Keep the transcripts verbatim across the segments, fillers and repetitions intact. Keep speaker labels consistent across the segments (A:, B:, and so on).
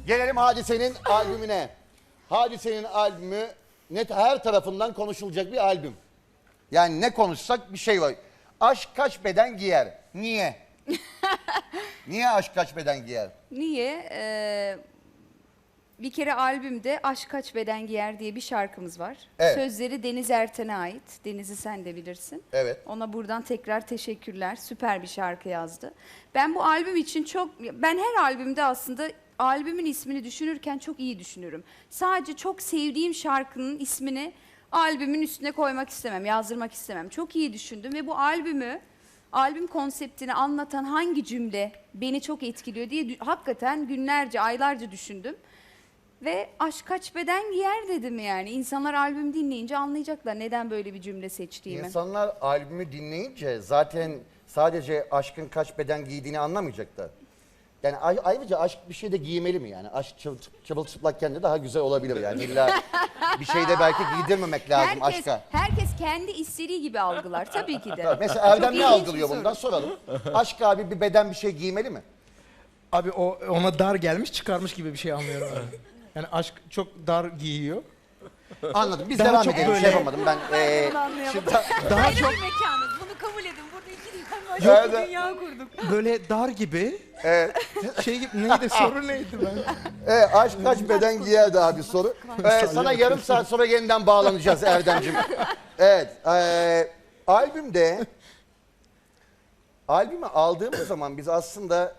A: Gelelim Hadise'nin albümüne. Hadise'nin albümü net her tarafından konuşulacak bir albüm. Yani ne konuşsak bir şey var. Aşk kaç beden giyer? Niye? Niye aşk kaç beden giyer?
B: Niye? Ee, bir kere albümde Aşk Kaç Beden Giyer diye bir şarkımız var.
A: Evet.
B: Sözleri Deniz Erten'e ait. Deniz'i sen de bilirsin.
A: Evet.
B: Ona buradan tekrar teşekkürler. Süper bir şarkı yazdı. Ben bu albüm için çok... Ben her albümde aslında albümün ismini düşünürken çok iyi düşünürüm. Sadece çok sevdiğim şarkının ismini albümün üstüne koymak istemem, yazdırmak istemem. Çok iyi düşündüm ve bu albümü, albüm konseptini anlatan hangi cümle beni çok etkiliyor diye hakikaten günlerce, aylarca düşündüm. Ve aşk kaç beden giyer dedim yani. İnsanlar albüm dinleyince anlayacaklar neden böyle bir cümle seçtiğimi.
A: İnsanlar albümü dinleyince zaten sadece aşkın kaç beden giydiğini anlamayacaklar. Yani ayrıca aşk bir şeyde giymeli mi yani? Aşk çırılçıplakken de daha güzel olabilir yani. İlla bir şeyde belki giydirmemek lazım
B: herkes,
A: aşka.
B: Herkes kendi istediği gibi algılar tabii ki de.
A: Mesela Erdem
B: Çok
A: ne
B: ilginç
A: algılıyor
B: bir
A: bundan
B: soru.
A: soralım. Aşk abi bir beden bir şey giymeli mi?
C: Abi o ona dar gelmiş çıkarmış gibi bir şey anlıyorum ben. Yani aşk çok dar giyiyor.
A: Anladım. Biz
C: Daha
A: devam
C: çok
A: edelim.
C: böyle-
A: Şey yapamadım ben. Ee,
D: Bunu anlayamadım.
A: şimdi,
C: Daha
D: Ayrı
C: çok
D: bir mekanız. Bunu kabul edin. Burada iki dünya başka bir dünya kurduk.
C: böyle dar gibi.
A: Evet.
C: Şey gibi neydi soru neydi ben?
A: Evet, aşk kaç beden giyer daha bir soru. Ee, sana yarım saat sonra yeniden bağlanacağız Erdemciğim. Evet. E, albümde albümü aldığımız zaman biz aslında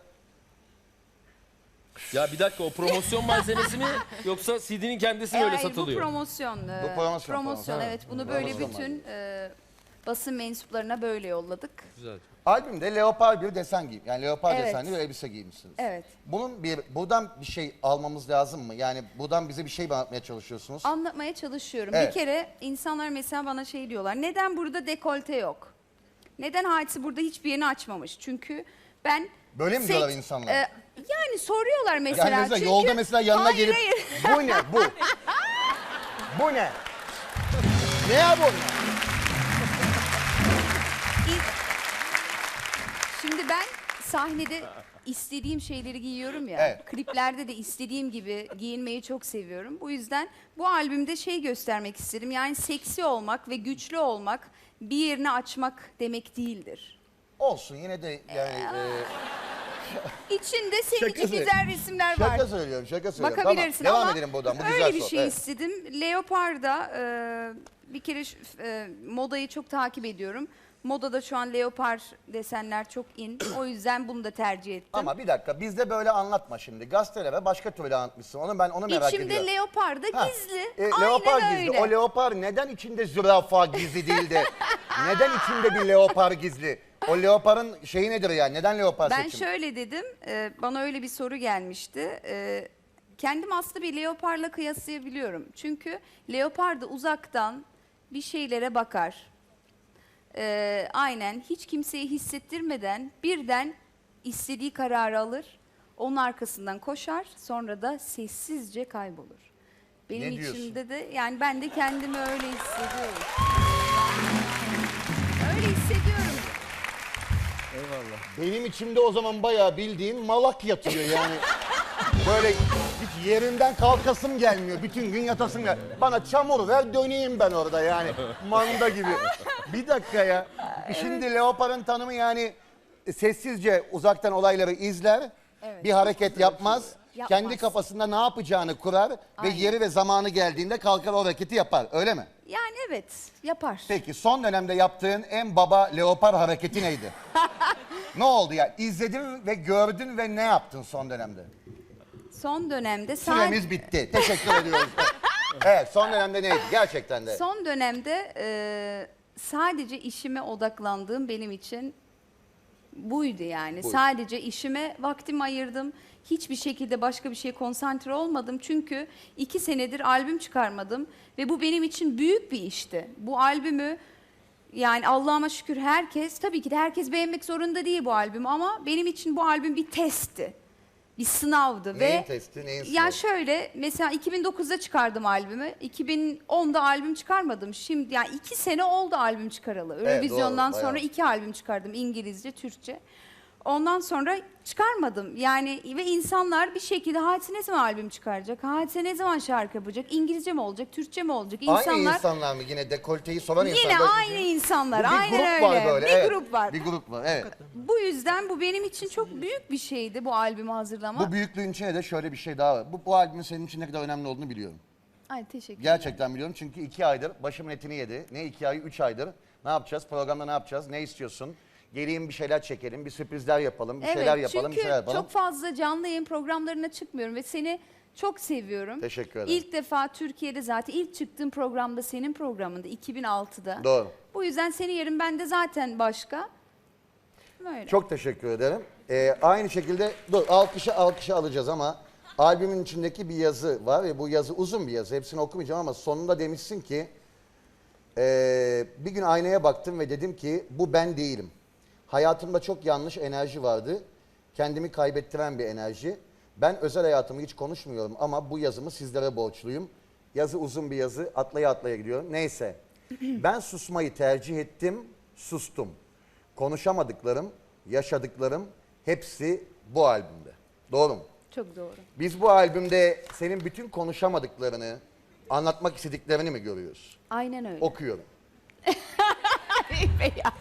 E: Ya bir dakika, o promosyon malzemesi mi yoksa C D'nin kendisi mi öyle
B: Hayır,
E: satılıyor?
B: Bu promosyon. e,
A: Bu promosyon, promosyon.
B: evet. Bunu böyle
A: Promosyon
B: bütün e, basın mensuplarına böyle yolladık.
E: Güzel.
A: albümde leopar bir desen giyim. Yani leopar
B: Evet.
A: desenli bir elbise giymişsiniz.
B: Evet.
A: Bunun bir buradan bir şey almamız lazım mı? Yani buradan bize bir şey mi anlatmaya çalışıyorsunuz?
B: Anlatmaya çalışıyorum.
A: Evet.
B: Bir kere insanlar mesela bana şey diyorlar. Neden burada dekolte yok? Neden Hadise burada hiçbir yerini açmamış? Çünkü ben...
A: Böyle mi
B: seks-
A: diyorlar insanlar?
B: e, yani soruyorlar mesela.
A: Yani mesela
B: çünkü...
A: yolda mesela yanına
B: Hayır,
A: gelip
B: hayır.
A: bu ne bu? Bu ne? Ne ya bu?
B: Şimdi ben sahnede istediğim şeyleri giyiyorum ya.
A: Evet.
B: Kliplerde de istediğim gibi giyinmeyi çok seviyorum. Bu yüzden bu albümde şey göstermek istedim. Yani seksi olmak ve güçlü olmak bir yerini açmak demek değildir.
A: Olsun yine de yani e,
B: İçinde senin
A: Şaka
B: için
A: söyle-
B: güzel resimler var.
A: şaka söylüyorum şaka söylüyorum.
B: Bakabilirsin
A: Tamam,
B: ama
A: devam edelim buradan bu
B: öyle
A: güzel
B: bir
A: soru.
B: şey
A: Evet.
B: istedim. Leopard'da e, bir kere şu- e, modayı çok takip ediyorum. Modada şu an leopar desenler çok in. O yüzden bunu da tercih ettim.
A: Ama bir dakika bizde böyle anlatma şimdi. Gazetelere başka türlü anlatmışsın. Onu ben onu merak
B: İçimde
A: ediyorum.
B: leopar da
A: Ha,
B: gizli.
A: e,
B: Aynen
A: leopar
B: öyle.
A: gizli. O leopar neden içinde zürafa gizli değil de neden içinde bir leopar gizli? O leoparın şeyi nedir yani? Neden leopar
B: Ben
A: seçim?
B: şöyle dedim, e, bana öyle bir soru gelmişti. E, kendim aslında bir leoparla kıyaslayabiliyorum. Çünkü leopar da uzaktan bir şeylere bakar. E, aynen hiç kimseye hissettirmeden birden istediği kararı alır. Onun arkasından koşar, sonra da sessizce kaybolur. Benim
A: Ne diyorsun?
B: içimde de yani ben de kendimi öyle hissediyorum. Öyle hissediyorum.
A: Benim içimde o zaman bayağı bildiğin malak yatıyor yani. Böyle hiç yerinden kalkasım gelmiyor. Bütün gün yatasım gel. Bana çamur ver döneyim ben orada yani. Manda gibi. Bir dakika ya. Şimdi leoparın tanımı yani sessizce uzaktan olayları izler.
B: Evet.
A: Bir hareket yapmaz.
B: Yapmaz.
A: Kendi kafasında ne yapacağını kurar
B: Aynen.
A: ve yeri ve zamanı geldiğinde kalkar o hareketi yapar. Öyle mi?
B: Yani evet yapar.
A: Peki son dönemde yaptığın en baba leopar hareketi neydi? Ne oldu ya? İzledin ve gördün ve ne yaptın son dönemde?
B: Son dönemde
A: Süremiz
B: sadece
A: bitti. Teşekkür ediyoruz. Evet son dönemde neydi gerçekten de?
B: son dönemde e, sadece işime odaklandığım benim için buydu yani.
A: Buydu.
B: Sadece işime vaktimi ayırdım. Hiçbir şekilde başka bir şeye konsantre olmadım. Çünkü iki senedir albüm çıkarmadım ve bu benim için büyük bir işti. Bu albümü yani Allah'ıma şükür herkes, tabii ki de herkes beğenmek zorunda değil bu albümü ama benim için bu albüm bir testti. Bir sınavdı
A: Neyin
B: ve
A: testi, neyin
B: ya
A: sınavı?
B: şöyle mesela iki bin dokuzda çıkardım albümü. iki bin onda albüm çıkarmadım. Şimdi yani iki sene oldu albüm çıkaralı.
A: Evet,
B: Eurovision'dan
A: doğru,
B: sonra
A: bayağı.
B: iki albüm çıkardım. İngilizce, Türkçe. Ondan sonra çıkarmadım. Yani ve insanlar bir şekilde Hadise ne zaman albüm çıkaracak? Hadise ne zaman şarkı yapacak? İngilizce mi olacak? Türkçe mi olacak? İnsanlar
A: Aynı insanlar mı yine dekolteyi soran
B: yine
A: insanlar?
B: aynı insanlar.
A: Bu bir
B: Aynen
A: grup
B: öyle.
A: var böyle.
B: Bir
A: evet.
B: grup var.
A: Bir grup var evet.
B: Bu yüzden bu benim için çok büyük bir şeydi bu albümü hazırlamak.
A: Bu büyüklüğün içine de şöyle bir şey daha var. Bu, bu albümün senin için ne kadar önemli olduğunu biliyorum.
B: Ay teşekkür
A: Gerçekten biliyorum çünkü iki aydır başımın etini yedi. Ne iki ay, üç aydır. Ne yapacağız? Programda ne yapacağız? Ne istiyorsun? Geleyim bir şeyler çekelim, bir sürprizler yapalım, bir
B: Evet,
A: şeyler yapalım, bir
B: çünkü
A: şeyler yapalım.
B: çok fazla canlı yayın programlarına çıkmıyorum ve seni çok seviyorum.
A: Teşekkür ederim.
B: İlk defa Türkiye'de zaten ilk çıktığım programda senin programında iki bin altıda.
A: Doğru.
B: Bu yüzden senin yerin bende zaten başka. Böyle.
A: Çok teşekkür ederim. Ee, aynı şekilde, dur alkışı alkışı alacağız ama albümün içindeki bir yazı var ve bu yazı uzun bir yazı. Hepsini okumayacağım ama sonunda demişsin ki ee, bir gün aynaya baktım ve dedim ki bu ben değilim. Hayatımda çok yanlış enerji vardı. Kendimi kaybettiren bir enerji. Ben özel hayatımı hiç konuşmuyorum ama bu yazımı sizlere borçluyum. Yazı uzun bir yazı, atlaya atlaya gidiyorum. Neyse, ben susmayı tercih ettim, sustum. Konuşamadıklarım, yaşadıklarım hepsi bu albümde. Doğru mu?
B: Çok doğru.
A: Biz bu albümde senin bütün konuşamadıklarını, anlatmak istediklerini mi görüyoruz?
B: Aynen öyle.
A: Okuyorum.
B: Beyaz.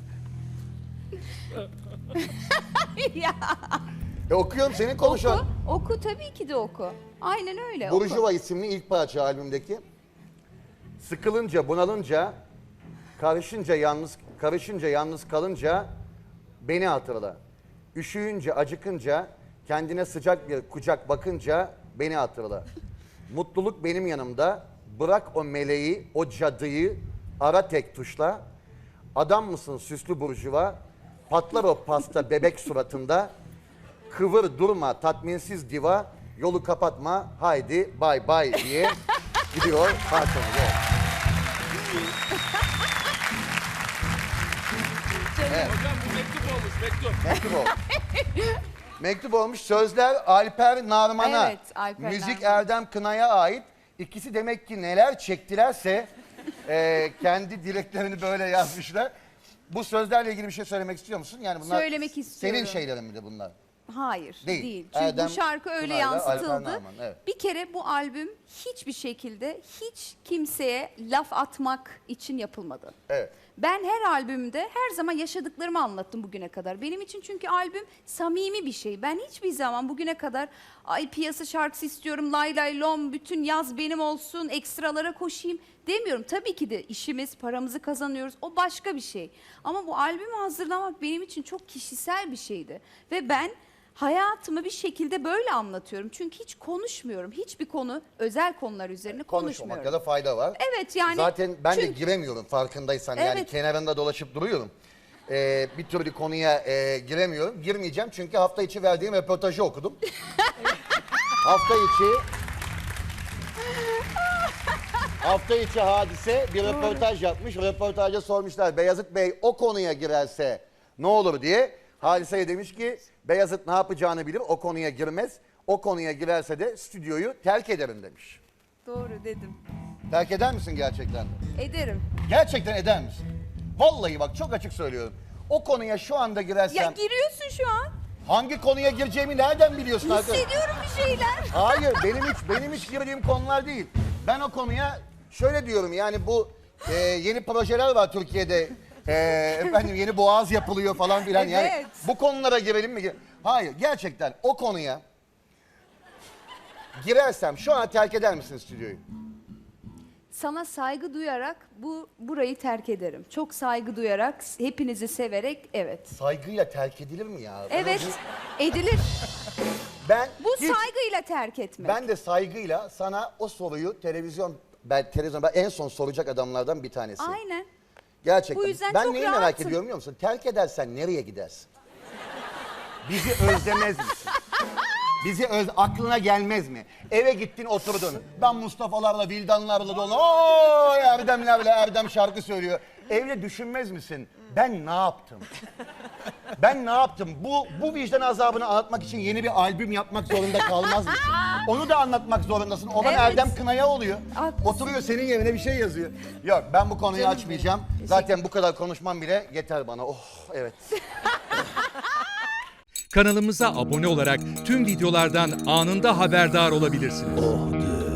B: ya.
A: E okuyorum senin konuşan.
B: Oku, oku tabii ki de oku. Aynen öyle.
A: Burjuva
B: oku.
A: isimli ilk parça albümdeki. Sıkılınca, bunalınca, karışınca yalnız karışınca yalnız kalınca beni hatırla. Üşüyünce, acıkınca, kendine sıcak bir kucak bakınca beni hatırla. Mutluluk benim yanımda. Bırak o meleği, o cadıyı ara tek tuşla. Adam mısın süslü burjuva? Patlar o pasta bebek suratında. Kıvır durma tatminsiz diva. Yolu kapatma haydi bay bay diye gidiyor parçamız. Evet.
E: Hocam bu mektup olmuş mektup.
A: Mektup olmuş. Mektup olmuş. Sözler Alper Narman'a.
B: Evet, Alper
A: Müzik
B: Narman.
A: Erdem Kınay'a ait. İkisi demek ki neler çektilerse e, kendi dileklerini böyle yazmışlar. Bu sözlerle ilgili bir şey söylemek istiyor musun? Yani bunlar
B: Söylemek istiyorum.
A: senin şeylerin mi de bunlar?
B: Hayır
A: Değil.
B: değil. Çünkü
A: Erdem
B: bu şarkı öyle
A: Pınar'la Alper
B: yansıtıldı.
A: Narman, evet.
B: Bir kere bu albüm hiçbir şekilde hiç kimseye laf atmak için yapılmadı.
A: Evet.
B: Ben her albümde her zaman yaşadıklarımı anlattım bugüne kadar. Benim için çünkü albüm samimi bir şey. Ben hiçbir zaman bugüne kadar ay piyasa şarkısı istiyorum, lay lay lom, bütün yaz benim olsun, ekstralara koşayım demiyorum. Tabii ki de işimiz, paramızı kazanıyoruz. O başka bir şey. Ama bu albümü hazırlamak benim için çok kişisel bir şeydi. Ve ben hayatımı bir şekilde böyle anlatıyorum. Çünkü hiç konuşmuyorum. Hiçbir konu, özel konular üzerine konuşmuyorum.
A: Konuşmamakta da fayda var.
B: Evet yani.
A: Zaten ben de
B: çünkü-
A: giremiyorum farkındaysan. Yani
B: Evet.
A: kenarında dolaşıp duruyorum. Ee, bir türlü konuya e, giremiyorum. Girmeyeceğim çünkü hafta içi verdiğim röportajı okudum. hafta içi... hafta içi Hadise bir röportaj yapmış. Röportajda sormuşlar Beyazıt Bey o konuya girerse ne olur diye. Hadise'ye demiş ki Beyazıt ne yapacağını bilir o konuya girmez. O konuya girerse de stüdyoyu terk ederim demiş.
B: Doğru dedim.
A: Terk eder misin gerçekten?
B: Ederim.
A: Gerçekten eder misin? Vallahi bak çok açık söylüyorum. O konuya şu anda girersem
B: Ya giriyorsun şu an.
A: hangi konuya gireceğimi nereden biliyorsun arkadaş?
B: Hissediyorum bir şeyler.
A: Hayır benim hiç benim hiç girdiğim konular değil. Ben o konuya şöyle diyorum yani bu e, yeni projeler var Türkiye'de. E, efendim yeni boğaz yapılıyor falan filan yani
B: Evet.
A: bu konulara girelim mi? Hayır gerçekten o konuya girersem şu an terk eder misin stüdyoyu?
B: Sana saygı duyarak bu burayı terk ederim. Çok saygı duyarak, hepinizi severek evet.
A: Saygıyla terk edilir mi ya?
B: Evet, edilir.
A: Ben
B: Bu
A: hiç-
B: saygıyla terk etmek.
A: Ben de saygıyla sana o soruyu televizyon ben televizyon ben en son soracak adamlardan bir tanesi.
B: Aynen.
A: Gerçekten.
B: Bu yüzden
A: ben
B: çok
A: neyi merak
B: rahatım.
A: ediyorum biliyor musun? Terk edersen nereye gidersin? Bizi özlemez misin? Bizi öz aklına gelmez mi? Eve gittin oturdun. Ben Mustafa'larla, Vildanlarla dolu. Oo Erdemlerle Erdem şarkı söylüyor. Evde düşünmez misin? Ben ne yaptım? Ben ne yaptım? Bu bu vicdan azabını anlatmak için yeni bir albüm yapmak zorunda kalmaz mısın? Onu da anlatmak zorundasın. Olan
B: Evet.
A: Erdem Kınaya oluyor.
B: Haklısın.
A: Oturuyor senin yerine bir şey yazıyor. Yok ben bu konuyu
B: Canım
A: açmayacağım.
B: benim.
A: Zaten bu kadar konuşmam bile yeter bana. Oh evet.
F: Kanalımıza abone olarak tüm videolardan anında haberdar olabilirsiniz.